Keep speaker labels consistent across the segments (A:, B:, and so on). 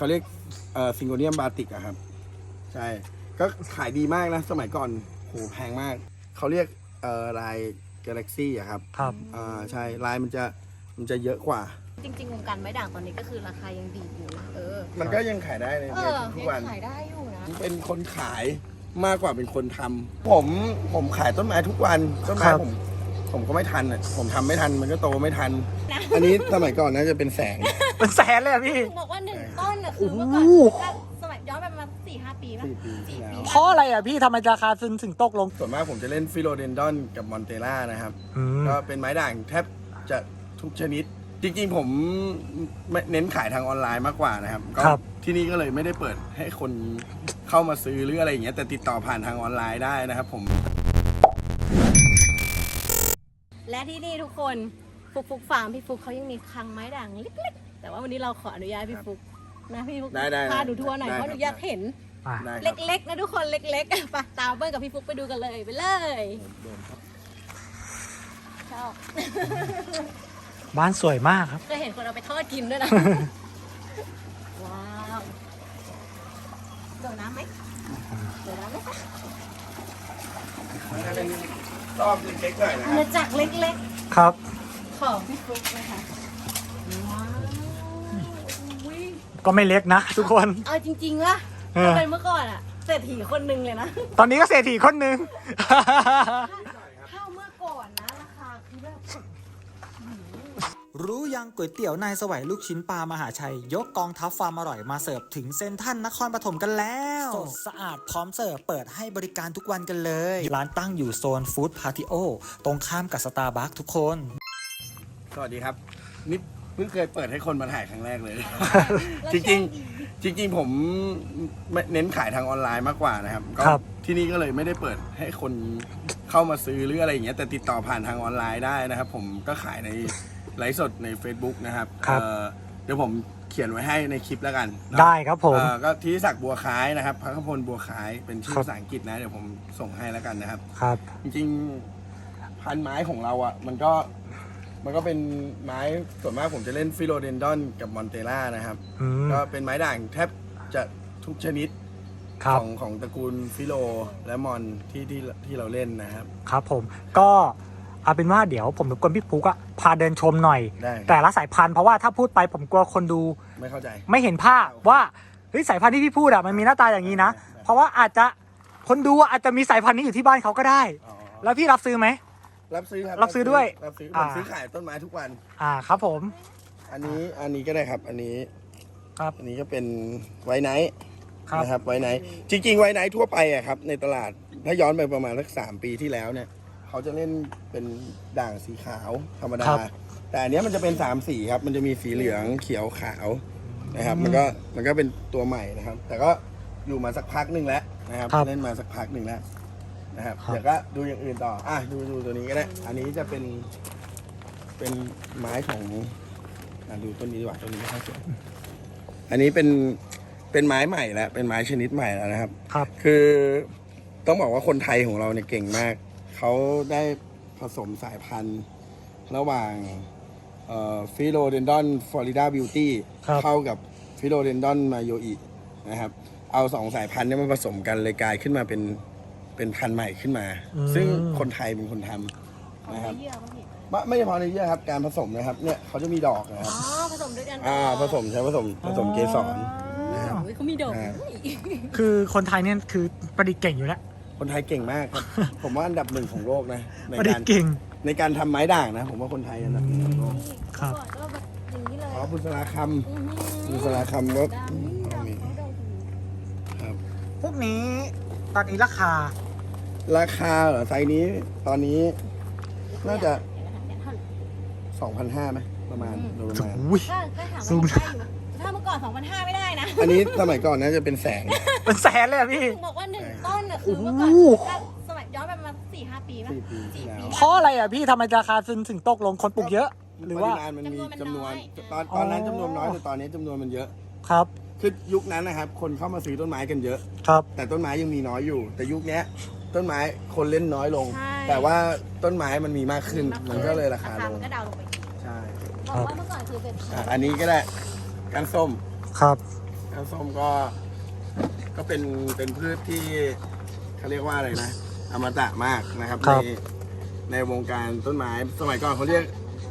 A: เขาเรียกซิงโกเนียมบาติกอะครับใช่ก็ขายดีมากนะสมัยก่อนโหแพงมากเขาเรียกลายกาแล็กซี่อะครับ
B: ครับ
A: ใช่ลายมันจะเยอะกว่า
C: จริงๆวงการไม้ด่างตอนนี้ก็คือราคายังดีอยู่นะ
A: มันก็ยังขายได้ในทุกวัน
C: ขายได้อยู่นะ
A: เป็นคนขายมากกว่าเป็นคนทำผมขายต้นไม้ทุกวันต้นไม้ผมก็ไม่ทันอ่ะผมทำไม่ทันมันก็โตไม่ทันอันนี้สมัยก่อนน่าจะเป็นแสน
B: เป็นแสนเลยพี่
C: บอกว่า1 ต้นคือเมื่อก่อนสมัยย้อนไปประมาณ4-5 ปีป่ะ
A: 4 ปีที่แล้ว
B: เพราะอะไรอ่ะพี่ทำไมราคาถึงตกลง
A: ส่วนมากผมจะเล่นฟิโลเดนดอนกับมอนเตล่านะครับก็เป็นไม้ด่างแทบจะทุกชนิดจริงๆผมเน้นขายทางออนไลน์มากกว่านะครับก็ที่นี่ก็เลยไม่ได้เปิดให้คนเข้ามาซื้อหรืออะไรอย่างเงี้ยแต่ติดต่อผ่านทางออนไลน์ได้นะครับผม
C: และที่นี่ทุกคนฟุกฟาร์มพี่ฟุกเขายังมีคลังไม้ด่างเล็กๆแต่ว่าวันนี้เราขออนุญาตพี่ฟุกนะพี่ฟุกพาดูทัวร์หน่อยเพราะหนูอยากเห็นเล็กๆนะทุกคนเล็กๆไปตามเบิ้ลกับพี่ฟุกไปดูกันเลยไปเลยชอบ
B: บ้านสวยมากครับ
C: เคยเห็นคนเอาไปทอดกินด้วยนะว้าวโดดน้ำไหมโดดน้ำไหมคะ
A: เป็นรอบเล็กๆหน่อยนะ
C: อาณาจักรเล็ก
B: ๆครับ
C: ของพี่ฟุกนะคะว้าว
B: ก็ไม่เล็กนะทุกคน
C: เอาจริงๆว่าเป็นเมื่อก่อนอะเศรษฐีคนหนึ่งเลยนะ
B: ตอนนี้ก็เศรษฐีคนหนึ่ง
C: ข้าวเมื่อก่อนนะราคาคือแบบ
D: รู้ยังก๋วยเตี๋ยวนายสวัยลูกชิ้นปลามหาชัยยกกองทัพความอร่อยมาเสิร์ฟถึงเซ็นทรัลนครปฐมกันแล้วสดสะอาดพร้อมเสิร์ฟเปิดให้บริการทุกวันกันเลยร้านตั้งอยู่โซนฟู้ดพาติโอตรงข้ามกับสตาร์บัคทุกคน
A: สวัสดีครับนี่เพิ่งเคยเปิดให้คนมาถ่ายครั้งแรกเลย จริงผมเน้นขายทางออนไลน์มากกว่านะครับก็ที่นี่ก็เลยไม่ได้เปิดให้คนเข้ามาซื้อหรืออะไรอย่างเงี้ยแต่ติดต่อผ่านทางออนไลน์ได้นะครับผมก็ขายในไลฟ์สดใน Facebook นะครับเดี๋ยวผมเขียนไว้ให้ในคลิปแล้วกัน
B: ได้ครับผม
A: ก็ที่ศักดิ์บัวคล้ายนะครับพระขพลบัวคล้ายเป็นชื่อภาษาอังกฤษนะเดี๋ยวผมส่งให้แล้วกันนะครับ
B: ครับ
A: จริงๆพันไม้ของเราอ่ะมันก็เป็นไม้ส่วนมากผมจะเล่นฟิโลเดนดอนกับมอนเตล่านะครับก็เป็นไม้ด่างแทบจะทุกชนิดของตระกูลฟิโลและมอนที่เราเล่นนะครับ
B: ครับผมก็เอาเป็นว่าเดี๋ยวผมรบกวนพี่ฟุกอะพาเดินชมหน่อยแต่ละสายพันธุ์เพราะว่าถ้าพูดไปผมกลัวคนดู
A: ไม่เข้าใจ
B: ไม่เห็นภาพว่าเฮ้ยสายพันธุ์ที่พี่พูดอะมันมีหน้าตาอย่างนี้นะเพราะว่าอาจจะคนดูอาจจะมีสายพันธุ์นี้อยู่ที่บ้านเขาก็ได้แล้วพี่รับซื้อไหม
A: รับซื้อครับ
B: รับซื้อด้วย
A: ผมซื้อขายต้นไม้ทุกวัน
B: ครับผม
A: อันนี้ก็ได้ครับอันนี้
B: ครับ
A: อันนี้ก็เป็นไวท์ไนท์นะครับไวท์ไนท์จริงๆไวท์ไนท์ทั่วไปอะครับในตลาดถ้าย้อนไปประมาณสัก3 ปีที่แล้วเนี่ยเขาจะเล่นเป็นด่างสีขาวธรรมดาแต่อันนี้มันจะเป็น3 สีครับมันจะมีสีเหลืองเขียวขาวนะครับมันก็เป็นตัวใหม่นะครับแต่ก็อยู่มาสักพักหนึ่งแล้วนะครับเล่นมาสักพักหนึ่งแล้วนะครับเดี๋ยวก็ดูอย่างอื่นต่อดูตัวนี้ก็ได้อันนี้จะเป็นไม้ของดูต้นนี้ดีกว่าต้นนี้ไม่ค่อยสวยอันนี้เป็นไม้ใหม่แล้วเป็นไม้ชนิดใหม่แล้วนะครับคือต้องบอกว่าคนไทยของเราเนี่ยเก่งมากเขาได้ผสมสายพันธุ์ระหว่างฟิโลเดนดอนฟลอริดาบิวตี้เข้ากับฟิโลเดนดอนมาโยอินะครับเอา2 สายพันธุ์นี้มาผสมกันเลยกลายขึ้นมาเป็นพันธุ์ใหม่ขึ้นมาซึ่งคนไทยเป็นคนทำนะครับไม่เฉพาะในเยื่อครับการผสมนะครับเนี่ยเขาจะมีดอกนะครับ
C: ผสมด้วยกัน
A: ผสมใช้ผสมเกสร
C: นะครับเขามีดอก
B: คือคนไทยเนี่ยคือประดิษฐ์เก่งอยู่แล้ว
A: คนไทยเก่งมากครับผมว่าอันดับ 1ของโลกนะในการทำไม้ด่างนะผมว่าคนไทยอันดับ 1ของโลก
B: ครับ
A: บุษราคำก็ครับ
B: พวกนี้ตอนนี้ราคา
A: เหรอไซส์นี้ตอนนี้น่าจะ 2,500 ไหมประมาณ
C: ก็ถามว่าถ้าเมื่อก่อน 2,500 ไม่ได้นะ
A: อันนี้สมัยก่อนน่าจะเป็นแสน
B: เลยพี่
C: บอกว่า1 ต้นคือเมื่อก่อนสมัยย้อนไปประมาณ4-5 ปีป่ะ4 ปี
B: เพราะอะไรอ่ะพี่ทำไมราคาถึงตกลงคนปลูกเยอะหรือว่า
A: มันมีจำนวนตอนนั้นจำนวนน้อยแต่ตอนนี้จำนวนมันเยอะ
B: ครับ
A: คือยุคนั้นนะครับคนเข้ามาซื้อต้นไม้กันเยอะ
B: ครับ
A: แต่ต้นไม้ยังมีน้อยอยู่แต่ยุคนี้ต้นไม้คนเล่นน้อยลงแต่ว่าต้นไม้มันมีมากขึ้นมันก็เลยราคาลง
C: ก็ดาวลงไป
A: ใช่
C: บอกว่าเมื่อก่อนคือเป็น
A: อันนี้ก็ได้ก้านส้ม
B: ครับ
A: ก้านส้มก็เป็นพืชที่เขาเรียกว่าอะไรนะอมตะมากนะครับในวงการต้นไม้สมัยก่อนเขาเรียก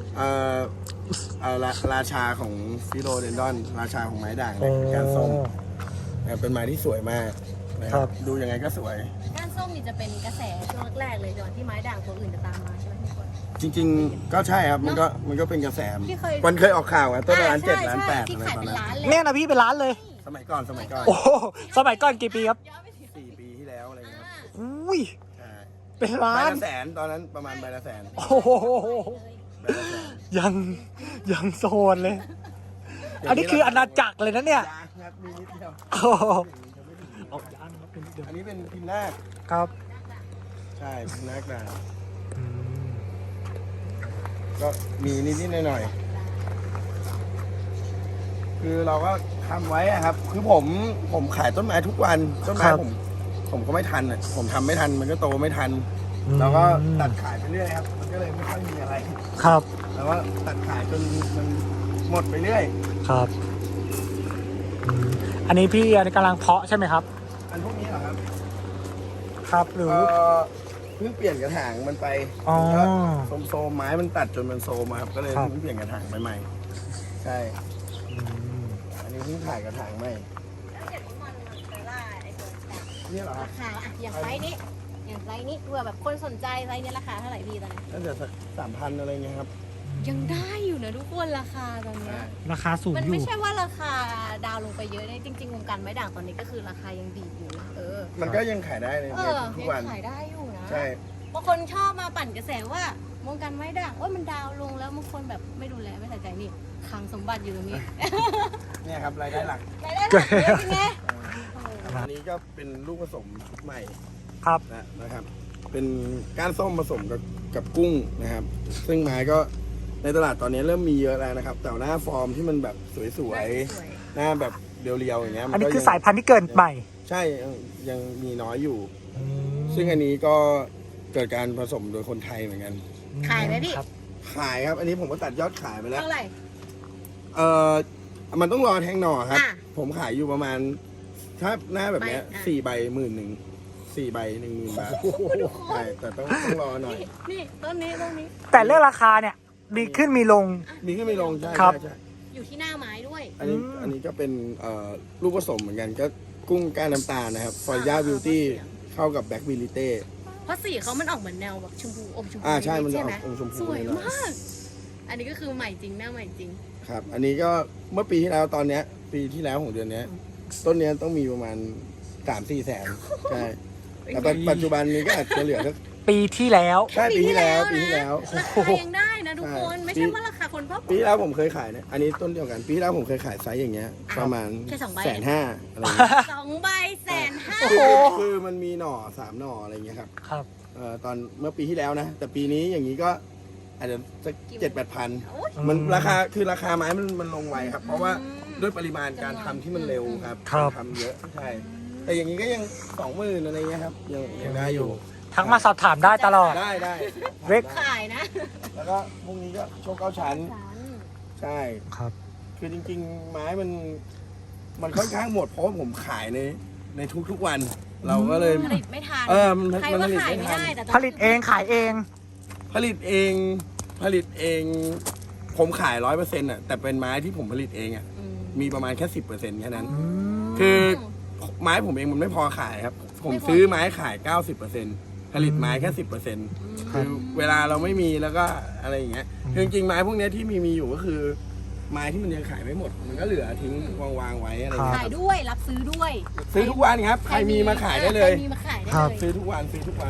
A: ราชาของฟิโลเดนดอนราชาของไม้ด่างเนี่ยก้านส้มเป็นไม้ที่สวยมากนะครับดูยังไงก็สวย
C: ก้านส้มนี่จะเป็นกระแสช่วงแรกๆเลยก่อนที่ไม้ด่างตัวอื่นจะตามมาใช่ไหมทุกคน
A: จริงๆก็ใช่ครับมันก็เป็นกระแส
C: ที่เคย
A: มันเคยออกข่าวอะต้นละล้าน7 ล้าน
C: ใช่
A: 8
C: ที่
A: อะไร
C: ขาย
A: ตอน
C: เป็น
A: นั้น
C: ล้านเลย
B: เนี่ยนะพี่เป็นร้านเลย
A: สมัยก่อน
B: โอ้โหสมัยก่อนกี่ปีครับ
A: 4 ปีที่แล้วอะไรเงี้ยครับ
B: อุ้ย
A: ใช่
B: เป็น
A: ใบ
B: ล้าน
A: ละแสนตอนนั้นประมาณใบละแสน
B: โอ้โห
A: ใบละแสน
B: ยังโซนเลย อันนี้คืออาณาจักรเลยนะเนี่ย
A: ยางครับมีนิดเดียว
B: โอ้โหเอายางมาเป็นนิดเดียว
A: อันนี้เป็นพิมพ์นาค
B: ครับ
A: ใช่พิมพ์นาคด่าง
B: อืม
A: ก็มีนิดๆหน่อยๆคือเราก็ทำไว้อะครับ คือผมขายต้นไม้ทุกวันต้นไม้ผมก็ไม่ทันอ่ะผมทำไม่ทันมันก็โตไม่ทันเราก็ตัดขายไปเรื่อยครับมันก็เลยไม่ค่อยมีอะไร
B: ครับ
A: แล้วก็ตัดขายจนมันหมดไปเรื่อย
B: ครับอืมอันนี้พี่กำลังเพาะใช่ไหมครับ
A: อันพวกนี้เหรอครับ
B: ครับหรือ
A: เพิ่งเปลี่ยนกระถางมันไป
B: อ๋อ
A: โซมไม้มันตัดจนมันโซมครับก็เลย
B: ครับ
A: เพิ่งเปลี่ยนกระถางใหม่ใช่
B: อืม
A: อันนี้เพิ่งถ่ายกระถางใหม่
C: แล้วเห็นว่ามันไปล่าไอ้ตัวด่าง
A: นี่เหรอครั
C: รา
A: บ
C: คาอะอย่างไซส์นี้อย่างไซส์นี้เผื่อแบบคนสนใจไซส์นี้ราคาเท่าไหร่พี่ตอนนี้
A: น่าจะสัก3,000อะไรเงี้ยครับ
C: ยังได้อยู่นะทุกคนราคาตอนเนี้ย
B: ราคาสูง
C: มัน
B: อยู่
C: ไม่ใช่ว่าราคาดาวลงไปเยอะนะจริงๆวงการไม้ด่างตอนนี้ก็คือราคายังดีอยู่นะ
A: มันก็ยังขายได้ใน ทุก
C: ยั
A: วัน
C: ขายได้อยู่นะ
A: ใช่
C: บางคนชอบมาปั่นกระแสว่าวงการไม้ด่างมันดาวลงแล้วบางคนแบบไม่ดูแลไม่ใส่ใจนี่คลังสมบัติอยู่ตรงนี้
A: เนี่ยครับรายได้หลัก
C: รายได้หลักเยอะจริงไง
A: อันนี้ก็เป็นลูกผสมชุดใหม่
B: ครับ
A: นะครับ เป็นก้านส้มผสมกับกุ้งนะครับ ซึ่งไม้ก็ในตลาดตอนนี้เริ่มมีเยอะแล้วนะครับ แต่หน้าฟอร์มที่มันแบบสวยๆหน้าแบบเรียวๆอย่างเงี้ย
B: อันนี้
A: ก็
B: คือสายพันธุ์ที่เกิดใหม่
A: ใช่ยังมีน้อยอยู่ ซึ่งอันนี้ก็เกิดการผสมโดยคนไทยเหมือนกัน
C: ขายไหมพี่
B: ครับ
A: ขายครับ อันนี้ผมก็ตัดยอดขายไปแล้ว
C: เท่าไหร่
A: มันต้องรอแทงหน่อครับ
C: อ่ะ
A: ผมขายอยู่ประมาณ ถ้าหน้าแบบเนี้ย
C: ใบอ่ะ
A: 4 ใบ11,000 4 ใบ 10,000 บาทใช่แต่ต้องรอหน่อย
C: นี่ต้นนี้
B: แต่เรื่องราคาเนี่ยมีขึ้นมีลง
A: มีขึ้นมีลงใช่
B: ครับ
A: ใช่
C: อยู่ที่หน้าไม้ด้วย
A: อันนี้ก็เป็นลูกผสมเหมือนกันก็กุ้งก้านน้ำตาลนะครับฟอร์ย่าบิวตี้เข้ากับแบ็กบิลิเต้
C: เพราะสีเขามันออกเหมือนแนวแบบชมพูอมชมพู
A: ใช่มันจะออก
C: ไห
A: อมชมพู
C: สวย
A: หน่อย
C: มาก อันนี้ก็คือใหม่จริงหน้าใหม่จริง
A: ครับ อันนี้ก็เมื่อปีที่แล้วตอนเนี้ย ปีที่แล้วของเดือนเนี้ย ต้นเนี้ยต้องมีประมาณ 3-4 แสนใช่แต่ปัจจุบันนี้ก็อาจจะเหลือสัก
B: ปีที่แล้ว
A: ใช่ปีที่แล้ว
C: ราคายังได้นะทุกคน
A: ใช่
C: ไม่ใช่ว่าราคาคนพ่อ
A: ปีที่แล้วผมเคยขายเนี่ยอันนี้ต้นเดียวกัน ปีที่แล้วผมเคยขายไซส์อย่างเงี้ย ประมาณ
C: แค่2 ใบ
A: 150,000อะไรเงี้ย
C: 2 ใบ150,000
B: โอ้โห
A: คือมันมีหน่อ3 หน่ออะไรเงี้ยครับ
B: ครับ
A: ตอนเมื่อปีที่แล้วนะ แต่ปีนี้อย่างนี้ก็อาจจะสัก 7-8,000
C: โอ้ย
A: มันราคาไม้มันลงไวครับ เพราะว่าด้วยปริมาณการทำที่มันเร็วครับ
B: ครับ
A: ทำเยอะใช่ แต่อย่างนี้ก็ยัง 20,000อะไรเงี้ยครับยังได้อยู่
B: ทักมาสอบถามได้ตลอด
A: ได้
B: เล็ก
C: ขายนะ
A: แล้วก็พวกนี้ก็โชค9 ชั้น ใช่
B: ครับ
A: คือจริงๆ ไม้มันค่อนข้างหมดเพราะว่าผมขายในทุกๆวัน เราก็เลย
C: ผลิตไม่ทัน
A: มัน
C: ใคร
A: มัน
C: ว่า
A: ผลิต
C: ขาย
A: ไม่
C: ไม่
A: ทัน
C: ได้แต่
B: ผลิตเองขายเอง
A: ผลิตเองผมขาย 100%อ่ะแต่เป็นไม้ที่ผมผลิตเองอ่ะมีประมาณแค่ 10%แค่นั้น คือไม้ผมเองมันไม่พอขายครับ ผมซื้อไม้ขาย 90%ผลิตไม้แค่ 10%คือเวลาเราไม่มีแล้วก็อะไรอย่างเงี้ยคือจริงๆไม้พวกเนี้ยที่มีอยู่ก็คือ ไม้ที่มันยังขายไม่หมด มันก็เหลือทิ้งวางไว้อะไรเงี้
C: ขาย
A: ย
C: ด้วยรับซื้อด้วย
A: ซื้อทุกวันครับ ใครมีมาขายได้เลย
C: ใครมีมาขายได้
B: ครับ
C: เลย
A: ซื้อทุกวัน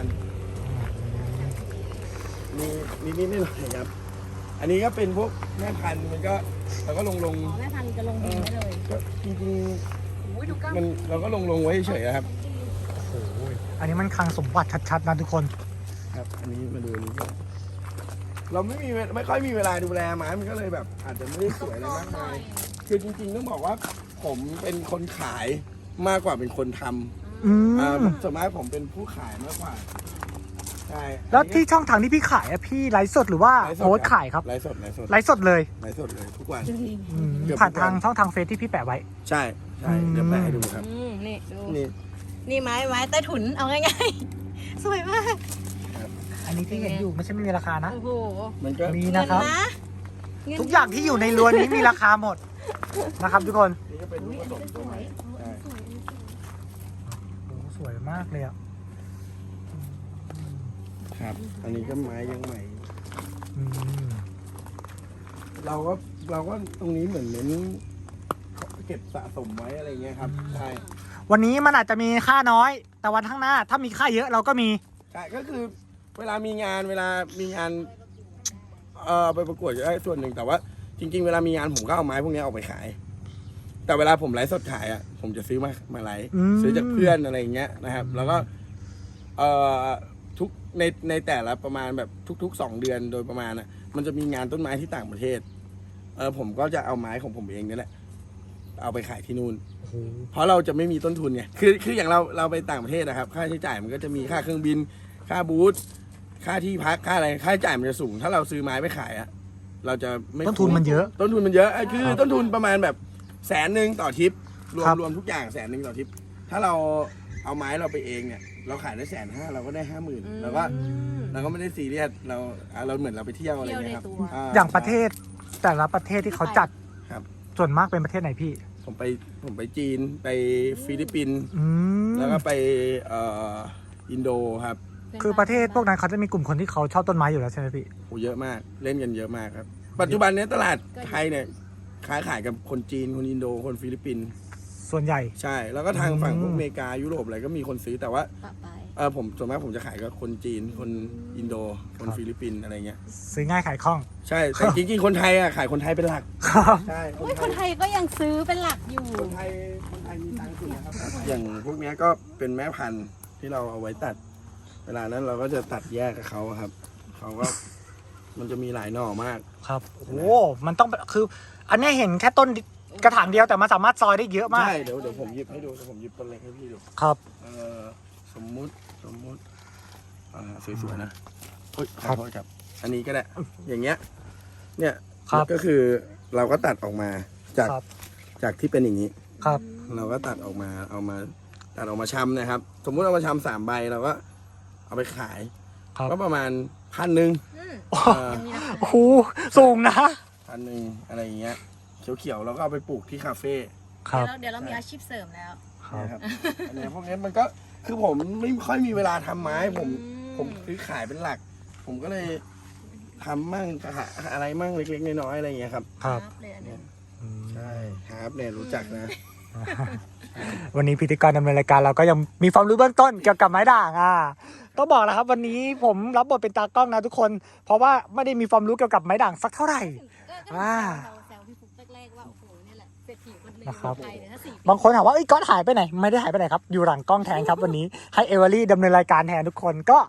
A: มีนิดๆหน่อยๆครับ อันนี้ก็เป็นพวกแม่พันธุ์มันก็เราก็ลง
C: อ๋อแม่พันธุ์จะลงดินได้เลย
A: ก็จริง
C: โอ้ยดูกล้าม
A: ๆมันเราก็ลงไว้เฉยๆครับ
B: อันนี้มันคลังสมบัติชัดๆนะทุกคน
A: ครับ อันนี้มาดูอันนี้ก่อนเราไม่ค่อยมีเวลาดูแลไม้มันก็เลยแบบ อาจจะไม่ได้สวยอะไรมากมายคือจริงๆต้องบอกว่าผมเป็นคนขายมากกว่าเป็นคนทำ
B: อืม
A: ส่วนมากผมเป็นผู้ขายมากกว่าใช่
B: แล้วที่ช่องทางที่พี่ขายอะพี่ไลฟ์สดหรือว่าโพสต์ขายครับ
A: ไลฟ์สด
B: ไลฟ์สดเลย
A: ไลฟ์สดเลยทุกวัน
B: อืมผ่านทางช่องทางเฟซที่พี่แปะไว้
A: ใช่เดี๋ยวแปะให้ดูครับ
C: นี่ดู
A: นี่
C: นี่ไม้ใต้ถุนเอาง่ายๆ สวยมาก
B: อันนี้ที่เห็นอยู่ไม่ใช่ไม่มีราคานะ
C: โอ้โห
A: มันก็
B: มีนะครับ
C: เงิน
B: ทุกอย่างที่อยู่ในรั้วนี้มีราคาหมดนะครับทุกคน
A: นี่ก็เป็นลูกผสมตัวใหม่ใช่
B: โอ้โหสวยมากเลยอ่ะ
A: ครับ อันนี้ก็ไม้ยังใหม่
B: อืม
A: เราก็ตรงนี้เหมือนเน้นเก็บสะสมไว้อะไรเงี้ยครับใช่
B: วันนี้มันอาจจะมีค่าน้อย แต่วันข้างหน้าถ้ามีค่าเยอะเราก็มี
A: ใช่ก็คือเวลามีงานไปประกวดก็ได้ส่วนหนึ่งแต่ว่าจริง ๆ เวลามีงานผมก็เอาไม้พวกนี้ออกไปขาย แต่เวลาผมไลฟ์สดขายอ่ะผมจะซื้อมาไลฟ์
B: อืม
A: ซื้อจากเพื่อนอะไรอย่างเงี้ยนะครับ แล้วก็ทุกในแต่ละประมาณแบบทุกๆ2 เดือนโดยประมาณอ่ะมันจะมีงานต้นไม้ที่ต่างประเทศผมก็จะเอาไม้ของผมเองนี่แหละเอาไปขายที่นู่น
B: โอ้โห
A: เพราะเราจะไม่มีต้นทุนไงคืออย่างเราไปต่างประเทศนะครับ ค่าใช้จ่ายมันก็จะมีค่าเครื่องบิน ค่าบูธค่าที่พักค่าอะไรค่าใช้จ่ายมันจะสูง ถ้าเราซื้อไม้ไปขายอะเราจะไม่
B: ต้นทุนมันเยอะ
A: ต้นทุนมันเยอะคือต้นทุนประมาณแบบ100,000ต่อทริปรว
B: ครั
A: ม
B: บ
A: รวมทุกอย่าง100,000ต่อทริปถ้าเราเอาไม้เราไปเองเนี่ยเราขายได้150,000เราก็ได้50,000แล้วก็เราก็ไม่ได้ซีเรียสเราเหมือนเราไปเที่ยวอะไรเงี้ยครับ
B: อย่างประเทศแต่ละประเทศที่เขาจัด
A: ครับ
B: ส่วนมากเป็นประเทศไหนพี่
A: ผมไปจีนไปฟิลิปปินส์
B: อืม
A: แล้วก็ไปอินโดครับ
B: คือประเทศพวกนั้นเขาจะมีกลุ่มคนที่เขาชอบต้นไม้อยู่แล้วใช่ไหมพี่
A: โอ้เยอะมากเล่นกันเยอะมากครับ ปัจจุบันเนี้ยตลาดไทยเนี่ยขายกับคนจีนคนอินโดคนฟิลิปปินส์
B: ส่วนใหญ่
A: ใช่ แล้วก็ทางฝั่งพวก
B: อืม
A: อเมริกายุโรปอะไรก็มีคนซื้อแต่ว่า
C: ปะไป
A: ผมส่วนมากผมจะขายกับคนจีนคนอินโดคนฟิลิปปินส์อะไรเงี้ย
B: ซื้อง่ายขายคล่อง
A: ใช่แต่จริงๆคนไทยอ่ะขายคนไทยเป็นหลัก
B: ครับ
A: ใช่
C: โอ้ยคนไทยก็ยังซื้อเป็นหลักอยู่
A: คนไทยมีตังค์สุดนะครับอย่างพวกเนี้ยก็เป็นแม่พันธุ์ที่เราเอาไว้ตัด เวลานั้นเราก็จะตัดแยกกับเขาครับเขาก็มันจะมีหลายหน่อมาก
B: ครับโอ้โหมันต้องคือ อันเนี้ยเห็นแค่ต้นกระถางเดียวแต่มันสามารถซอยได้เยอะมาก
A: ใช่เดี๋ยวผมหยิบให้ดูเดี๋ยวผมหยิบต้นเล็กให้พี่ดู
B: ครับ
A: สมมุติสวยๆนะเฮ้ยข
B: ครั
A: อบ โทษครับ อันนี้ก็ได้ อย่างเงี้ย เนี่ย
B: ครับ
A: ก็คือเราก็ตัดออกมาจาก
B: ครับ
A: จากที่เป็นอย่างนี้
B: ครับ
A: เราก็ตัดออกมาตัดออกมาชำนะครับ สมมุติเอามาชำ3 ใบเราก็เอาไปขาย
B: ครับ
A: ก็ประมาณ1,000
B: โอ้โหสูงนะ
A: 1,000อะไรอย่างเงี้ยเขียวๆเราก็เอาไปปลูกที่คาเฟ่
B: ครับ
C: เดี๋ยวเรามีอาชีพเสริมแล้ว
A: นะครับ อันนี้พวกนี้มันก็คือผมไม่ค่อยมีเวลาทำไม้ผมซื้อขายเป็นหลัก ผมก็เลยทำมั่งอะไรมั่งเล็กๆน้อยๆอะไรอย่างเงี้ยครับ
B: ครับ
C: เลยอันนี้
A: ใช่ครับเนี่ยรู้จักนะ
B: วันนี้พิธีกรดำเนินรายการเราก็ยังมีความรู้เบื้องต้นเกี่ยวกับไม้ด่างต้องบอกแล้วครับ วันนี้ผมรับบทเป็นตากล้องนะทุกคน เพราะว่าไม่ได้มีความรู้เกี่ยวกับไม้ด่างสักเท่าไหร่
C: ก็
B: อ่า
C: แซวพี่ฟุ๊กแรกๆว่าโอ้โหนี่แหละเศรษฐีคนหนึ่ง
B: นะครับ
C: ไทยเนี่ยถ้า4 ปี
B: บางคนถามว่าเอ้ยก๊อตหายไปไหนไม่ได้หายไปไหนครับอยู่หลังกล้องแทนครับวันนี้ให้เอเวอรี่ดำเนินรายการแทนทุกคนก็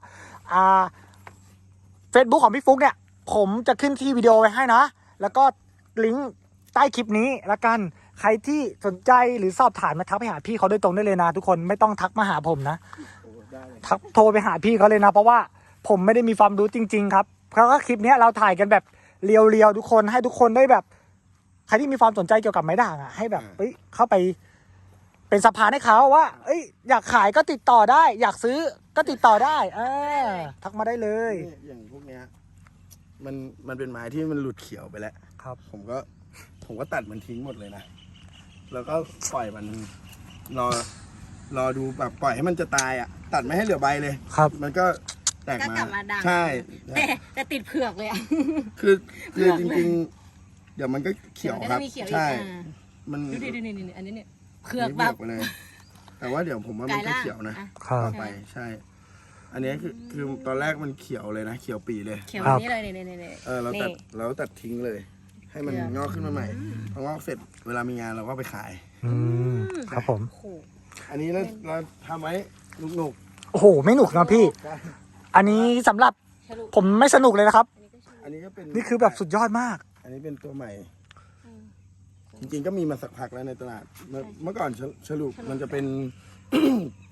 B: เฟซบุ๊กของพี่ฟุ๊กเนี่ยผมจะขึ้นที่วิดีโอไว้ให้นะแล้วก็ลิงก์ใต้คลิปนี้ละกันใครที่สนใจหรือสอบถามมาทักไปหาพี่เขาโดยตรงได้เลยนะทุกคนไม่ต้องทักมาหาผมนะทักโทรไปหาพี่เขาเลยนะเพราะว่าผมไม่ได้มีความรู้จริง ๆ ครับเพราะว่าคลิปนี้เราถ่ายกันแบบเรียวๆทุกคนให้ทุกคนได้แบบใครที่มีความสนใจเกี่ยวกับไม้ด่างให้แบบเข้าไปเป็นสะพานให้เขาว่าอยากขายก็ติดต่อได้ อยากซื้อก็ติดต่อได้ทักมาได้เลย
A: อย่างพวกเนี้ยมันเป็นไม้ที่มันหลุดเขียวไปแล้ว
B: ครับ
A: ผมก็ตัดมันทิ้งหมดเลยนะแล้วก็ปล่อยมันรอดูแบบปล่อยให้มันจะตายอ่ะตัดไม่ให้เหลือใบเลย
B: ครับ
A: มันก็แตก
C: ก็
A: มาก
C: ลับมาดัง
A: ใช่
C: แต่ติดเผือกเลยอ่ะ
A: คือจ
C: เผือก
A: ริงๆ เดี๋ยวมันก็เขียวครับ
C: เดี๋ยวมันจะมีเขียวอีก
A: ใช่ มัน
C: ดูดินี่อันนี้เนี่ยเผื
A: เผื
C: อ
A: อก ก
C: แบบ
A: ไปเลย แต่ว่าเดี๋ยวผมว่ามันก็เขียวนะ
B: ครับ
A: ต่อไปใช่ อันนี้คือตอนแรกมันเขียวเลยนะเขียวปีเลย
C: เขียวแบบนี้เลยนี่
A: เราตัดทิ้งเลย ให้มัน
C: เผือก
A: งอกขึ้นมาใหม่พองอกเสร็จเวลามีงานเราก็ไปขาย
B: ครับผม
C: โอ้โห
A: อันนี้เราทำไว้หนุก
B: โอ้โหไม่หนุกนะพี่
A: ๆใช่
B: อันนี้สำหรับผมไม่สนุกเลยนะครับ
A: อันนี้ก็เป็น
B: นี่คือแบบสุดยอดมาก
A: อันนี้เป็นตัวใหม่ จริงๆก็มีมาสักพักแล้วในตลาดเมื่อก่อนฉลุมันจะเป็น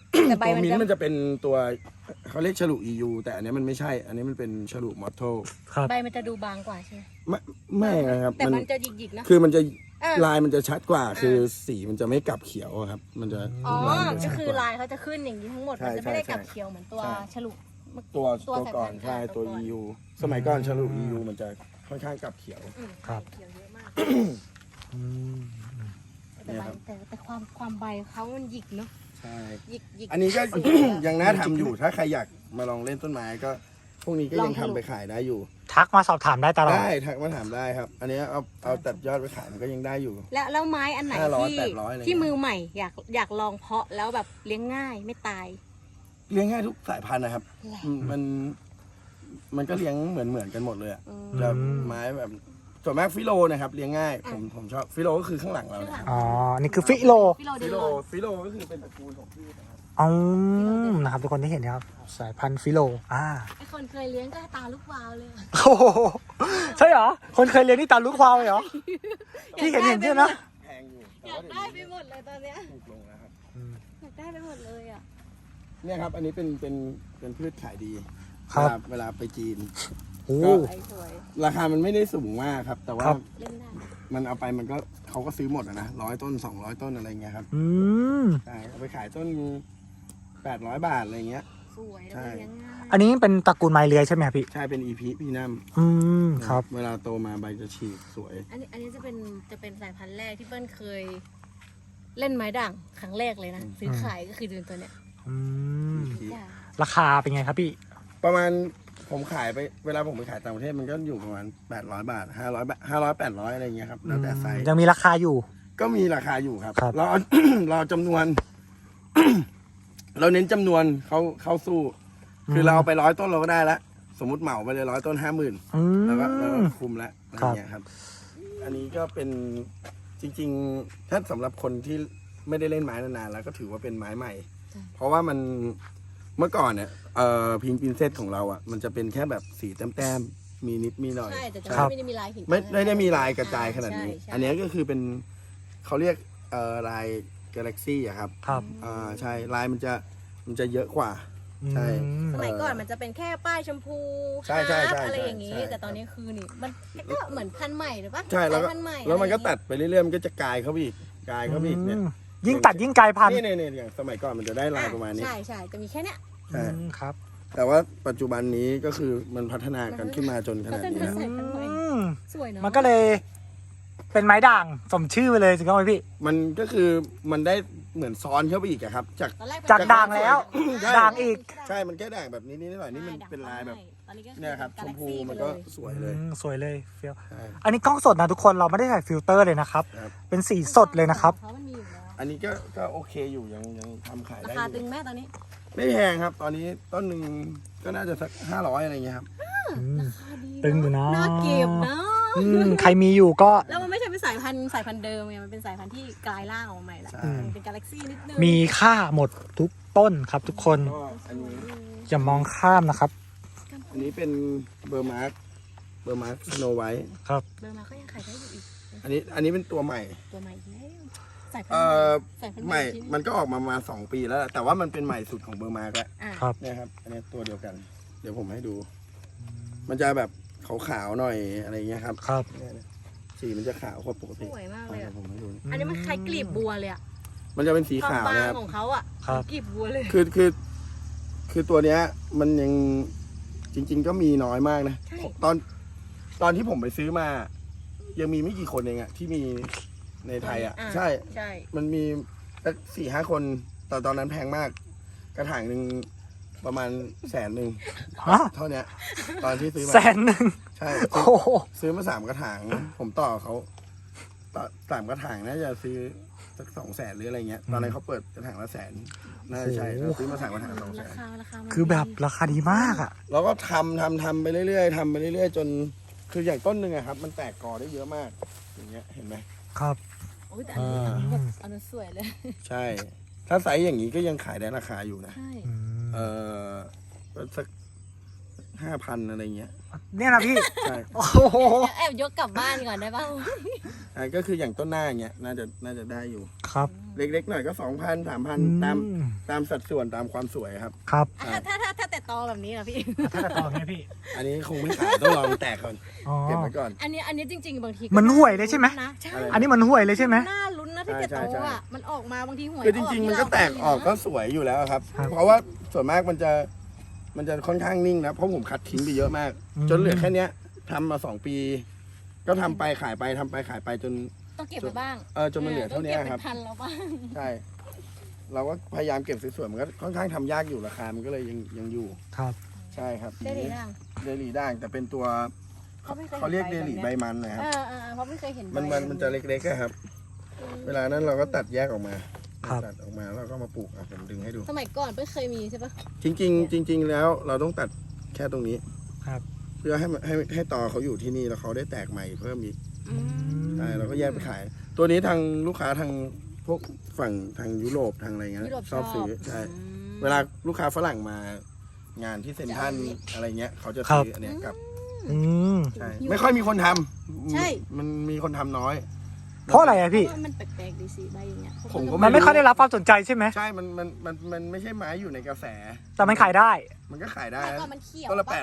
C: แต่ใบ
A: ตัว
C: มัน
A: มิ้น
C: จะ
A: ท์มันจะเป็นตัวเขาเรียกฉลุ EU แต่อันนี้มันไม่ใช่ อันนี้มันเป็นฉลุมอตโต
B: ครับ
C: ใบมันจะดูบางกว่าใช่ไหม
A: ไม่นะครับ
C: แต่มันจะหยิกๆนะ
A: คือมันจะ
C: อ่ะ
A: ลายมันจะชัดกว่า คือสีมันจะไม่กลับเขียวอะครับ มันจะ
C: อ๋อ
A: ลายมันจะ
C: ก็
A: ชัด
C: คือก
A: ว่า
C: ลายเขาจะขึ้นอย่างนี้ทั้งหมด
A: ใช่
C: มันจะไม่ได้
A: ใช่
C: กลับเขียวเหมือนตัว
A: ใช่
C: ฉลุ
A: ตัว
C: ตัว
A: ก่อน
C: สายพันธุ์
A: ใช่
C: ตั
A: ตัว ว
C: ก่อน
A: EU สมัยก่อนฉลุ EU มันจะค่อนข้างกลับเขียว
C: อืม
B: ครับ
C: เขียวเยอะมาก
B: อืม
C: แต่ใบแต่ความใบเขามันหยิกเนาะ
A: ใช่
C: หยิก
A: อันนี้ก็ ยังน่าทำอยู่ ถ้าใครอยากมาลองเล่นต้นไม้ก็พวกนี้ก็ยังทำไปขายได้อยู่
B: ทักมาสอบถามได้ตลอด
A: ได้ทักมาถามได้ครับ อันนี้เอาตัดยอดไปขายมันก็ยังได้อยู่
C: แล้วไม้อันไหน
A: 500
C: ที่
A: 800อะไร
C: ที่
A: เงี้ย
C: มือใหม่อยากลองเพาะแล้วแบบเลี้ยงง่ายไม่ตาย
A: เลี้ยงง่ายทุกสายพันธุ์นะครับมันก็เลี้ยงเหมือนกันหมดเลยอะ
C: อืม
A: แบบไม้แบบส่วนมากฟิโลนะครับเลี้ยงง่ายผมชอบฟิโลก็คือข้างหลังเราเนี่ย
B: อ๋อ นี่คือฟิโล
C: ฟิโลเด
A: ฟิ
C: ล
A: โล
C: อน
A: ฟิโลก็คือเป็นตระกูลของพืชนะครับ
B: อ๋อนะครับทุกคนที่เห็นนะครับ สายพันธุ์ฟิโล
C: ไอคนเคยเลี้ยงก็ตาลูกวาวเลย
B: โอ้โหใช่เหรอ คนเคยเรียนที่ตาลูกควาวเลยเหรอ ที่เห็นใช่ไหม
A: แพงอยู่แต่
C: อยา
A: ว่าก
C: ได้ไปหมดเลยตอนเนี้ย
A: ถูกลงแล้วครับ
C: อยากได้ไปหมดเลยอ่ะ
A: เนี่ยครับ อันนี้เป็นพืชขายดี
B: ครับ
A: เวลาไปจีน
B: โอ้
C: สวยสวย
A: ราคามันไม่ได้สูงมากครับ แต่ว่า
B: ครับ
C: เล่นได้
A: มันเอาไปมันก็เขาก็ซื้อหมดอะนะ100 ต้น 200 ต้นอะไรเงี้ยครับ
B: อืม
A: ใช่เอาไปขายต้น800 บาทอะไรเงี้ย
C: สวยแล้วก็เลี้ยงง่าย
B: อันนี้เป็นตระกูลไม้เลื้อยใช่ไหมครับพี่
A: ใช่เป็นอีพีนัม
B: อืม ครับ
A: เวลาโตมาใบจะฉีกสวย
C: อันนี้จะเป็นสายพันธุ์แรกที่เปิ้ลเคย เล่นไม้ด่างครั้งแรกเลยนะซื้อขายก็คือเป็นตัวเนี้ย
B: อืม
C: จ้ะ
B: ราคาเป็นไงครับพี่
A: ประมาณผมขายไปเวลาผมไปขายต่างประเทศมันก็อยู่ประมาณ800 บาท500 บาท500 800อะไรเงี้ยครับแล้วแต่ไซส์
B: ยังมีราคาอยู่
A: ก็มีราคาอยู่ครับ
B: ครับ
A: เรา เราจำนวน เราเน้นจำนวนเข้าสู้ คือเราเอาไป100 ต้นเราก็ได้ละสมมติเหมาไปเลย100 ต้น 50,000
B: อืม
A: แล้วก็คุมแล้วอะไร
B: ครับ
A: เงี้ยครับ อันนี้ก็เป็นจริง ๆ ถ้าสำหรับคนที่ไม่ได้เล่นไม้นานๆแล้วก็ถือว่าเป็นไม้ใหม่ เพราะว่ามันเมื่อก่อนเนี่ยพิงปินเซตของเราอ่ะมันจะเป็นแค่แบบสีแต้มๆมีนิดมีหน่อย
C: ใช่แต่จะ
B: ครับ
C: ไม่ได้มีลายหิน
A: ไม่ได้มีลายกระจายขนาดนี้
C: ใช่
A: อันนี้ก็คือเป็นเขาเรียกลายกาแล็กซี่อะครับ
B: ครับ
A: ใช่ลายมันจะเยอะกว่า ใช่
B: อืม
C: สมัยก่อนมันจะเป็นแค่ป้ายชมพู
A: ใช่ใช่ใช่
C: ฮาร์ปอะไรอย่างนี้
A: ใช่
C: แต่ตอนนี้คือนี่มันก็เหมือนพันธุ์ใหม่หรือปะ
A: ใช่แล้วก็
C: สายพันธุ์ใหม่
A: แล้วมันก็
C: อะไรอ
A: ตั
C: ย่าง
A: ดไปเรื่อยๆมันก็จะกลายเข้าไปอีกกลายเข้าไปอีกเนี่ย
B: ยิ่งตัดยิ่งกลายพันธุ์
A: นี่อย่างสมัยก่อนมันจะได้ลายประมาณนี้
C: ใช่ใช่จะมีแค่เนี้ย
A: ใช่
B: ครับ
A: แต่ว่าปัจจุบันนี้ก็คือมันพัฒนากันขึ้นมาจนขนาดนี้แล้ว
C: ใส่พันธุ์ใหม่
B: อืม
C: สวยเนาะ
B: มันก็เลย เป็นไม้ด่างสมชื่อไปเลยสิครับพี่
A: มันก็คือมันได้เหมือนซ้อนเข้าไปอีกอะครับ จาก
C: ตอนแรก
B: จากด่างแล้ว
A: ใช่
B: ด่างอีก
A: ใช่มันแค่ด่างแบบนี้นิดหน่อยนี่มันเป็นลายแบบ
C: ตอนนี้ก็คือ
A: เนี่ยครับชมพู
C: Galaxy
A: มันก็
C: ไปเลย
A: สวยเลย
B: สวยเลยเฟี้ยว
A: ใช่
B: อันนี้กล้องสดนะทุกคนเราไม่ได้ใส่ฟิลเตอร์เลยนะครับ
A: ครับ
B: เป็นสีสดเลยนะครับ
C: เพราะมันมีอยู่แล้ว
A: อันนี้ก็โอเคอยู่ยังทำขาย
C: รา
A: ได้
C: คา
A: อ
C: ตึ
A: ยู่
C: งแม่ตอนนี้
A: ไม่แพงครับ ตอนนี้ต้นหนึ่งก็น่าจะสัก500อะไรเงี้ยครับ
C: ราคาดี
B: ตึงอยู่นะ
C: น่าเก็บนะ
B: ใครมีอยู่ก็
C: แล้วมันไม่ใช่เป็นสายพันธุ์เดิมไงมันเป็นสายพันธุ์ที่กลายร่างออกมาใหม่ละ
A: ใช่
C: เป็นกาแล็กซี่นิดนึง
B: มีค่าหมดทุกต้นครับทุกคน
A: ก็อันนี้
B: อย่ามองข้ามนะครับ
A: อันนี้เป็นเบอร์มาร์คสโนไวท์
B: ครับ
C: เดินมาก็ยังขายได้อยู่อีก
A: อันนี้เป็นตัวใหม่
C: ตัวใหม่อีกแล้วสายพัน
A: เอ่
C: ธุ์
A: อ
C: สายพันธุ์
A: ใหม่
C: ที่
A: มันก็ออกมามา2 ปีแล้วแหละแต่ว่ามันเป็นใหม่สุดของเบอร์มาร์กแล้ว
C: อ่ะ
B: ครับ
A: เนี่ยครับ อันนี้ตัวเดียวกัน เดี๋ยวผมให้ดู มันจะแบบขาวๆหน่อยอะไรเงี้ยครับ
B: ครับ
A: เนี่ยสีมันจะขาวกว่าปก
C: ส
A: ติ
C: วยมากเลย
A: เดี๋ย
C: อะ
A: วผมให้ดู
C: อันนี้มันคล้ายกลีบบัวเลยอะ
A: มันจะเป็นสี
C: ความ
A: ขาว
C: บาง
A: นะครับ
C: ของเขาอะ
B: ครับ
C: กลีบบัวเลย
A: คือตัวเนี้ย มันยังจริง ๆ ก็มีน้อยมากนะ
C: ใช่
A: ตอนที่ผมไปซื้อมา ยังมีไม่กี่คนเองอะที่มีในไทยอะใช่
C: ใช่
A: มันมีสัก4-5 คนตอนนั้นแพงมาก กระถางหนึ่งประมาณ100,000
B: ฮะ
A: เท่าเนี้ย ตอนที่ซื้อมา
B: 100,000
A: ใช่
B: โอ้โห
A: ซื้อมา3 กระถาง ผมต่อเขาต่อ3 กระถางน่าจะซื้อสัก200,000หรืออะไรเงี้ย ตอนนั้นเขาเปิดกระถางละ100,000น่าจะใช่เราซื้อมา3 กระถาง
C: รา
A: 200,000
C: คามัน
B: คือแบบราคาดีมากอ่ะ
A: เราก็ทำไปเรื่อยๆทำไปเรื่อยๆจนคืออย่างต้นหนึ่งอะครับ มันแตกกอได้เยอะมาก อย่างเงี้ยเห็นไหม
B: ครับ
C: โอ้ยแต่อันนี้แบบอันนั้นสวยเลย
A: ใช่ ถ้าไซส์อย่างนี้ก็ยังขายได้ราคาอยู่นะ
C: ใช่
A: สัก5,000อะไรเงี้ย
B: เนี่ยนะพี่
A: ใช่
B: โอ้โห
C: แอบยกกลับบ้านก่อนได้ป่าว
A: ใช่ก็คืออย่างต้นหน้าอย่างเงี้ยน่าจะได้อยู่
B: ครับ
A: เล็กๆหน่อยก็ 2,000 3,000 ตามสัดส่วนตามความสวยครับ
B: ครับ
C: ถ้าแต่ตอแบบนี้เหรอพี่
B: ถ้าจะต่อเนี่ยพี่
A: อันนี้คงไม่ขายต้องลองแตกก่อน
B: อ๋อ
A: เก็บไว้ก่อน
C: อันนี้จริงๆบางที
B: มันห่วยเลยใช่ไหม
C: นะใช่
A: อะไร
B: อันนี้มันห่วยเลยใช่ไหม
C: น่าลุ้นนะที่จะ
A: ใช่
C: โต
A: ใช่
C: อ่ะมันออกมาบางทีหวย
A: คือจริงๆมันก็แตกออกก็สวยอยู่แล้วครับ
B: ครับ
A: เพราะว่าส่วนมากมันจะค่อนข้างนิ่งนะเพราะผมคัดทิ้งไปเยอะมาก จนเหลือแค่เนี้ยทำมา2 ปี ก็ทำไปขายไปทำไปขายไปจน
C: ต้องเก็บไว้บ้าง
A: จนมันเหลือเท่านี้ครับ
C: ต้องเก็บเป็นพันแล้วบ้าง
A: ใช่ เราก็พยายามเก็บสวยๆมันก็ค่อนข้างทำยากอยู่ราคามันก็เลยยังอยู่
B: ครับ
A: ใช่ครับ
C: ได้ดีดัง
A: เดลี่ด่างแต่เป็นตัว
C: ไม่ค
A: เขาเรียกเด
C: ห็น
A: ลี่
C: แบบ
A: ใบ
C: นี้ย
A: มันนะครับ
C: เพราะไม่เคยเห็น
A: มันจะเล็กๆอะครับ เวลานั้นเราก็ตัดแยกออกมา
B: ครับ
A: ตัดออกมาแล้วก็มาปลูกอ่ะผมดึงให้ดู
C: สมัยก่อนไม่เคยมีใช่ปะ
A: จริงๆแล้วเราต้องตัดแค่ตรงนี้
B: ครับ
A: เพื่อให้ตอเขาอยู่ที่นี่แล้วเขาได้แตกใหม่เพิ่มอีกใช่เราก็แยกไปขาย ตัวนี้ทางลูกค้าทางพวกฝั่งทางยุโรปทางอะไรเงี้ย
C: ยุโรป
A: ชอบซื้อใช่ เวลาลูกค้าฝรั่งมางานที่เซ็นทรัลอะไรเงี้ยเขาจะซื้ออันเนี้ยกับ
B: อืม
A: ใช่ไม่ค่อยมีคนทำ
C: ใช่
A: มันมีคนทำน้อย
B: เพราะอะไรอะพี่
C: เพราะว่ามันแปลกๆดีสิใบอย่างเงี้ย
A: ผมก็
B: มันไม่ค่อยได้รับความสนใจใช่ไหม
A: ใช่มันไม่ใช่ไม้อยู่ในกระแส
B: แต่มันขายได้
A: มันก็ขายได้
C: แต่ก่อนมันเขียว
A: ต้นละ
C: ป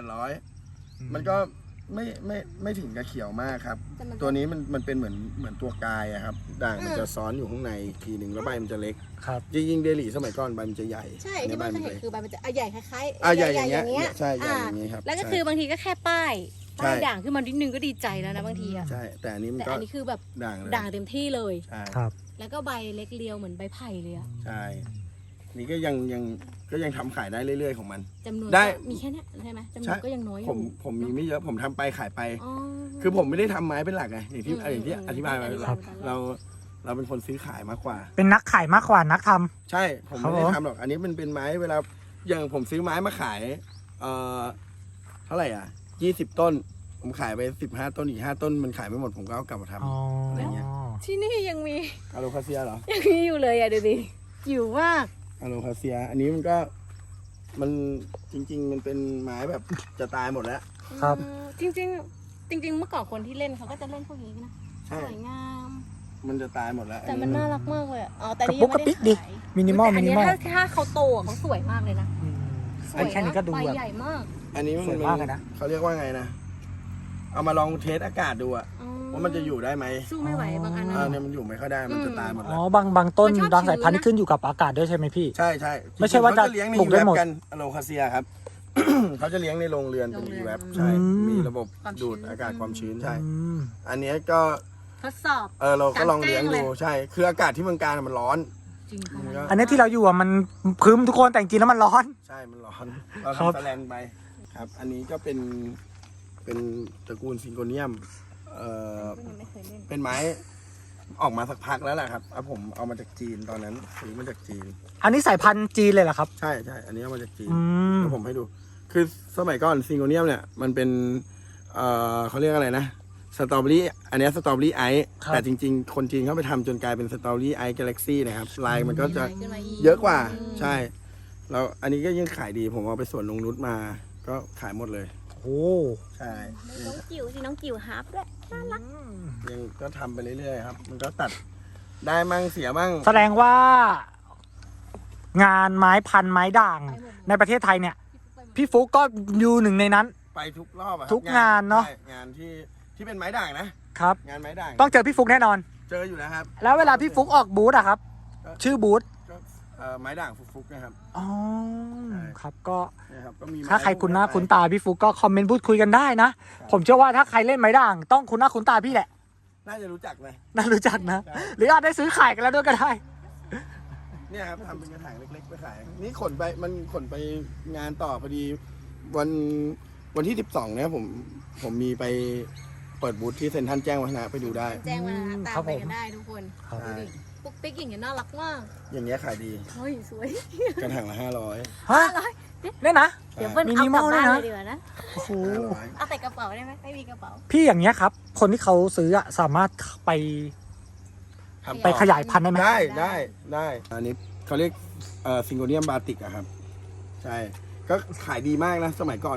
A: 800มันก็ไม่ถึงกับเขียวมากครับ
C: แต่มัน
A: ตัวนี้มันเป็นเหมือนตัวกายอะครับด่างมันจะซ้อนอยู่ข้างในอีกทีหนึ่งแล้วใบมันจะเล็ก
B: ครับ
A: จริงๆเดลี่สมัยก่อนใบมันจะใหญ่
C: ใช่
A: อัน
C: ที่
A: นี้ใบ
C: บ้านเค
A: มัน
C: ยเห็น
A: เล็ก
C: คือใบมันจะใหญ่คล้ายๆ
A: ใหญ่อย่างเงี้ย
C: เงี้ย
A: ใช่ใหญ่อย่างงี้ครับ
C: แล้วก็
A: ใช่
C: คือบางทีก็แค่ป้าย
A: ใช่
C: ด่างขึ้นมานิดนึงก็ดีใจแล้วนะบางทีอะ
A: ใช่ แต่อันนี้มัน
C: แต่
A: ก็
C: อันนี้คือแบบ
A: ด่างเลย
C: ด่างเต็มที่เลย
A: ใช่
B: ครับ
C: แล้วก็ใบเล็กเรียวเหมือนใบไผ่เลยอะ
A: ใช่นี่ก็ยังทำขายได้เรื่อยๆของมัน
C: จำนวน
A: ได้
C: ก็มีแค่เนี้ยใช่ไหมจำนวนก็ยังน้อยอ
A: ผ
C: ยู่
A: มมีไม่เยอะผมทำไปขายไป
C: อ๋อ
A: คือผมไม่ได้ทำไม้เป็นหลักไงอย่างที่
C: อืม
A: อธิบายมา
C: ครับ
A: เราเป็นคนซื้อขายมากกว่า
B: เป็นนักขายมากกว่านักทำ
A: ใช่ผมไม่ได้
B: ครับผม
A: ทำหรอก อันนี้มันเป็นไม้เวลาอย่างผมซื้อไม้มาขายเท่าไหร่อ่ะ20 ต้น ผมขายไป15 ต้นอีก5 ต้นมันขายไม่หมดผมก็เอากลับมาท
B: อ๋อ
A: อะไรเงี้ย
C: ที่นี่ยังมี
A: ำอะโลคาเซียเหรอ
C: ยังมีอยู่เลยอะดูดิอยู่มาก
A: อะโลคาเซีย อันนี้มันจริง ๆ มันเป็นไม้แบบจะตายหมดแล้ว
B: ครับ
C: จริงเมื่อก่อนคนที่เล่นเขาก็จะเล่นพวกนี้นะ
A: ใช่
C: สวยงาม
A: มันจะตายหมดแล้ว
C: แต่มันน่ารักมากเลยอะอ๋อแต่
B: กระ
C: นี่
B: ปุ
C: ยั
B: ก
C: ง
B: กระ
C: ไม่
B: ปิ
C: ได้
B: กดิ
C: ขาย
B: มินิมอล
C: แต่
B: มิ
C: อัน
B: นิ
C: เนี้ย
B: มอล
C: ถ้าเขาโตอะเขาสวยมากเลยนะสวย
B: แค่นี้ก็ดู
C: ใบ
B: แบบ
C: ใหญ่มาก
A: อันนี้
B: สวยมากเลยนะ
A: เขาเรียกว่าไงนะ เอามาลองเทสอากาศดูอะ
C: อ๋อ
A: ว่ามันจะอยู่ได้ไหม
C: สู้ไม่ไหวบางอันนะ
A: เนี่ยมันอยู่ไม่ค่อยได้ มันจะตายหมด
B: อ๋
A: แล้
B: อ
A: ว
B: บางต้น
C: มันชอบ
B: บางสายพันธุ์
C: ชื้นนะ
B: นี่ขึ้นอยู่กับอากาศด้วยใช่ไหมพี่
A: ใช่ใช่
B: ไม่ใช่ว่าจะ
A: เขเลี้ยงใน
B: ปลูกได้หมด
A: กันอะโลคาเซียครับ เขาจะเลี้ยงในโรงเรือนเป็น e ีแวบใช่
B: อืม
A: มีระบบ
C: ความชื้น
A: ดูดอากาศความชื้นใช่
B: อืม
A: อันเนี้ยก็
C: ทดสอบ
A: เราก็ลองเลี้ยง
C: กลางแจ้
A: ดู
C: งเลย
A: ใช่ คืออากาศที่เมืองการมันร้อน
C: จริงค่ะ
A: มันก็
B: อันนี้ที่เราอยู่อ่ะมันครึ้มทุกคนแต่จริงๆแล้วมันร้อน
A: ใช่ มันร้อน เรา
B: ครับ
A: ทำแสแลนไปครับ อันนี้ก็เป็นตระกูลซิงโกเนียม
C: ยังไม่เคยเล่น
A: เป็นไม้ออกมาสักพักแล้วแหละครับผมเอามาจากจีนตอนนั้นซื้อมาจากจีน
B: อันนี้สายพันธุ์จีนเลยเหรอครับ
A: ใช่ใช่อันนี้เอามาจากจีน
B: อืม
A: เดี๋ยวผมให้ดู คือสมัยก่อนซิงโกเนียมเนี่ยมันเป็นเขาเรียกอะไรนะสตรอเบอรี่อันเนี้สตรอเบอรี่ไอซ์
B: ครับ
A: แต่จริงๆ คนจีนเขาไปทำจนกลายเป็นสตรอเบอรี่ไอซ์กาแล็กซี่นะครับลายมันก็จะ
C: ขึ้นมา
A: เยอะกว่าใช่แล้วอันนี้ก็ยังขายดีผมเอาไปสวนนงนุชมาก็ขายหมดเลย
B: โอ้
A: ใช่
C: น้องจิ๋วสิน้องจิ๋วฮาร์ปด้วยน่ารัก
A: ยังก็ทำไปเรื่อยๆครับ มันก็ตัดได้มั่งเสียมั่ง
B: แสดงว่า งานไม้พันไม้ด่าง ในประเทศไทยเนี่ย พี่ฟุกก็อยู่หนึ่งในนั้น
A: ไปทุกรอบอะครับ
B: ทุกงานเนอะ
A: ใช่งานที่เป็นไม้ด่างนะ
B: ครับ
A: งานไม้ด่าง
B: ต้องเจอพี่ฟุกแน่นอน
A: เจออยู่แล้วครับ
B: แล้วเวลาพี่ฟุกออกบูธอะครับ ชื่อบูธ
A: ก็ไม้ด่างฟุกๆนะครับ
B: อ๋อ
A: ใช่
B: ครับก็
A: เนี่ยครับก็มีไม้
B: ถ้าใครคุ้นหน้าคุ้นตาพี่ฟุกก็คอมเมนต์พูดคุยกันได้นะ ผมเชื่อว่าถ้าใครเล่นไม้ด่าง ต้องคุ้นหน้าคุ้นตาพี่แหละ
A: น่าจะรู้จักนะ
B: น่ารู้จักนะ
A: ใช่
B: หรืออาจได้ซื้อขายกันแล้วด้วยก็ได้
A: เนี่ยครับทำเป็นกระถางเล็กๆไปขายนี่ขนไปงานต่อพอดีวันที่12เนี่ยผมมีไปเปิดบูธที่เซ็นทรัลแจ้งวัฒนะไปดูได้
C: แจ้งมา
B: ค
C: ตา
B: รั
C: ม
B: บ
C: ไป
B: ผม
C: กันได้ทุกคน
B: ครับ
C: ดูดิปุ๊กปิ๊กอย่างเงี้ยน่ารักมาก
A: อย่างเงี้ยขายดี
C: เฮ้ยสวย
A: กระถางละ500
B: ฮะเนี่ยนะ
C: เดี๋ยวเปิ้ล
B: มิ
C: เอา
B: นิ
C: ก
B: ม
C: ลั
B: อบ ล
C: บ้าน
B: ด้วยนะ
C: เลยดีกว่านะ
B: โอ้โห
A: 500
C: เอาแต่กระเป๋าได้ไหมไม่มีกระเป๋า
B: พี่อย่างเงี้ยครับ คนที่เขาซื้ออะสามารถไป
A: ทำ
B: ไป
A: ต่อ
B: ขยายพันธุ์ได้ไหม
A: ได้อันนี้เขาเรียกซิงโกเนียมบาติกอะครับ ใช่ ก็ขายดีมากนะ สมัยก่อนโห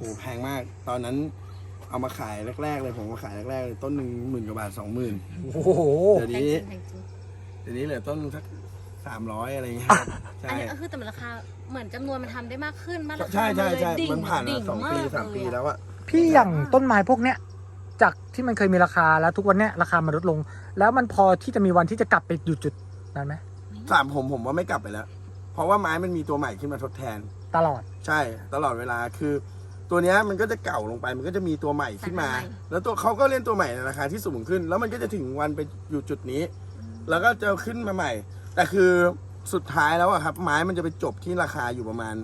A: แพงมาก ตอนนั้นเอามาขายแรกๆเลยผมมาขายแรกๆเลยต้นหนึ่ง10,000 กว่าบาท 20,000
B: โอ้โห
A: เดี๋ยวนี้เหลือต้นสัก300อะไรอย่างเงี้ยครับ
C: อัน
A: ใช่
C: นี้ก็คือแต่ราคาเหมือนจำนวนมันทำได้มากขึ้นมาก
A: ใช่ใช่
C: ดิ่ง
A: มันผ่าน
C: ดิ่
A: มาง2 ปี 3 ปีแล้วอะ
B: พี่อย่างต้นไม้พวกเนี้ยจากที่มันเคยมีราคาแล้วทุกวันเนี้ยราคามันลดลง แล้วมันพอที่จะมีวันที่จะกลับไปอยู่จุดนั้นไหม
A: ผมว่าไม่กลับไปแล้ว เพราะว่าไม้มันมีตัวใหม่ขึ้นมาทดแทน
B: ตลอด
A: ใช่ตลอดเวลาคือตัวเนี้ยมันก็จะเก่าลงไปมันก็จะมีตัวใหม่ขึ้นมา แล้วตัวเขาก็เล่นตัวใหม่ในราคาที่สูงขึ้น แล้วมันก็จะถึงวันไปอยู่จุดนี้ แล้วก็จะขึ้นมาใหม่ แต่คือสุดท้ายแล้วอะครับไม้มันจะไปจบที่ราคาอยู่ประมาณ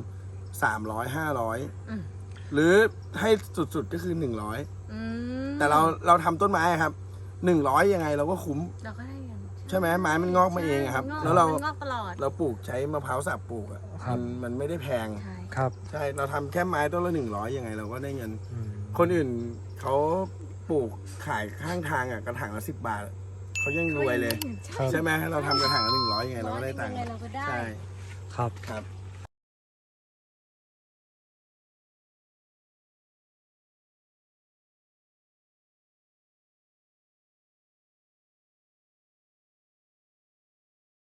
A: 300-500หรือให้สุดๆก็คือ100แต่เราทำต้นไม้ครับ100ยังไงเราก็คุ้ม
C: เราก็ได้เงิน
A: ใช่ไหมไม้มันงอกมาเองอะครับ
C: งอก
A: แล้วเรา
C: งอกตลอด
A: ปลูกใช้มะพร้าวสับปลูกอะ
B: ครับ
A: มันไม่ได้แพง
C: ใช่
B: ครับ
A: ใช่เราทำแค่ไม้ต้นละ100ยังไงเราก็ได้เงิน คนอื่นเขาปลูกขายข้างทางกระถางละ10 บาทเขายังรวยเลย
B: ครับ
A: ใช่ไหมเราทำกระถางละ100ยังไงเราก็ได้ตังค์
C: ยังไงเราก็ได้
A: ใช่
B: ครับ
A: ครับ